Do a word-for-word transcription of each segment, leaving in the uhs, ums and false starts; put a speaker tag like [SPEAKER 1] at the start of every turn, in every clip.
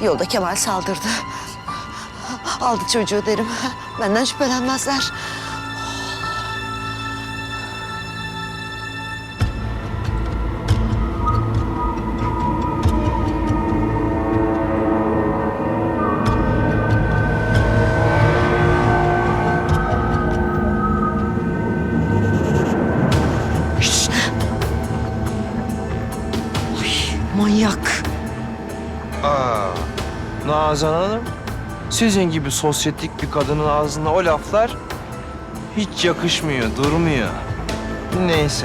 [SPEAKER 1] Yolda Kemal saldırdı. Aldı çocuğu derim. Benden şüphelenmezler. Manyak.
[SPEAKER 2] Aa, Nazan Hanım, sizin gibi sosyetik bir kadının ağzına o laflar hiç yakışmıyor, durmuyor. Neyse.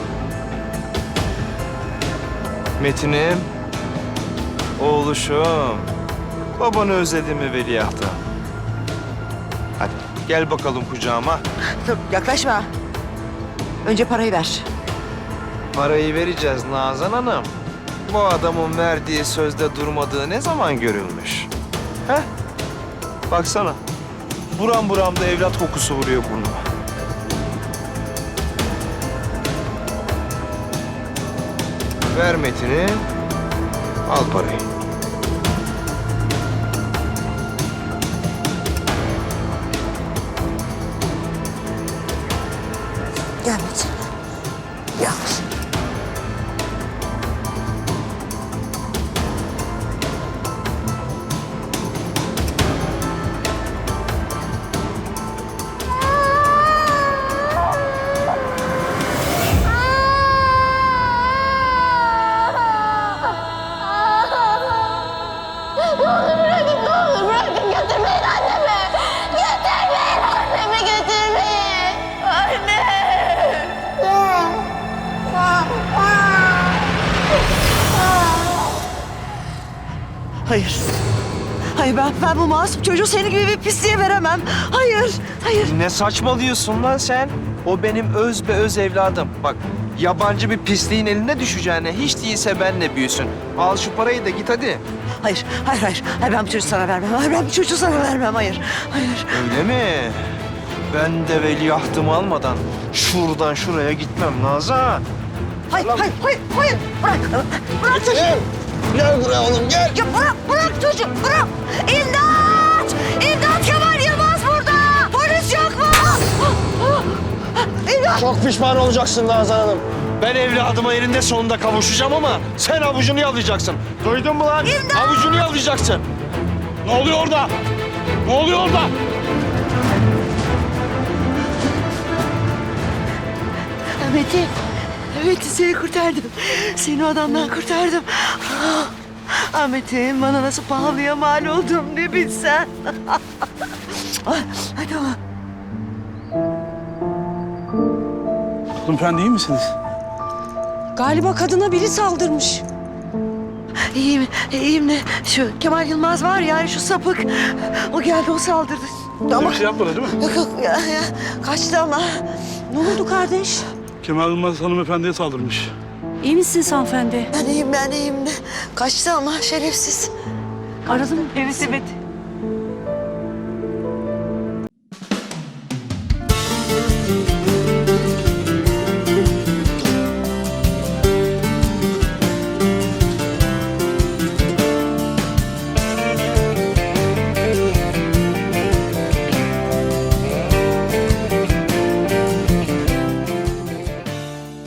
[SPEAKER 2] Metin'im, oğluşum, babanı özledin mi veliahtım? Hadi gel bakalım kucağıma.
[SPEAKER 1] Dur, yaklaşma. Önce parayı ver.
[SPEAKER 2] Parayı vereceğiz Nazan Hanım. Bu adamın verdiği sözde durmadığı ne zaman görülmüş? Heh? Baksana. Buram buram da evlat kokusu vuruyor burnuma. Ver Metin'i. Al parayı.
[SPEAKER 1] Gel Metin. Gel. Hayır. Hayır ben, ben bu masum çocuğu senin gibi bir pisliğe veremem. Hayır, hayır.
[SPEAKER 2] Ne saçmalıyorsun lan sen? O benim öz be öz evladım. Bak yabancı bir pisliğin eline düşeceğine hiç değilse benle büyüsün. Al şu parayı da git hadi.
[SPEAKER 1] Hayır, hayır, hayır. Hayır ben bu çocuğu sana vermem. Hayır ben bu çocuğu sana vermem. Hayır, hayır.
[SPEAKER 2] Öyle mi? Ben de veliahtımı almadan şuradan şuraya gitmem Nazan.
[SPEAKER 1] Hayır, hayır, hayır, hayır. Bırak, bırak çocuğu.
[SPEAKER 2] Gel buraya oğlum gel.
[SPEAKER 1] Ya bırak, bırak çocuğu, bırak. İmdat! İmdat Kemal Yılmaz burada! Polis yok mu? İmdat!
[SPEAKER 3] Çok pişman olacaksın Nazan Hanım.
[SPEAKER 2] Ben evladıma elinde sonunda kavuşacağım ama sen avucunu yalayacaksın. Duydun mu lan?
[SPEAKER 1] İmdat!
[SPEAKER 2] Avucunu yalayacaksın.
[SPEAKER 3] Ne oluyor orada? Ne oluyor orada?
[SPEAKER 1] Metin, Metin seni kurtardım. Seni o adamdan kurtardım. Ah Metin, bana nasıl pahalıya mal oldum ne bilsen. Hadi ama.
[SPEAKER 3] Hanımefendi iyi misiniz?
[SPEAKER 4] Galiba kadına biri saldırmış.
[SPEAKER 1] İyiyim, iyiyim de şu Kemal Yılmaz var ya şu sapık. O geldi o saldırdı. Ama
[SPEAKER 3] Bir şey yapmadı değil mi?
[SPEAKER 1] yok yok ya, ya, kaçtı ama.
[SPEAKER 4] Ne oldu kardeş?
[SPEAKER 3] Kemal Yılmaz hanımefendiye saldırmış.
[SPEAKER 4] İyi misiniz hanımefendi?
[SPEAKER 1] Ben iyiyim ben iyiyim de kaçtı ama şerefsiz.
[SPEAKER 4] Aradın mı?
[SPEAKER 1] Evet evet.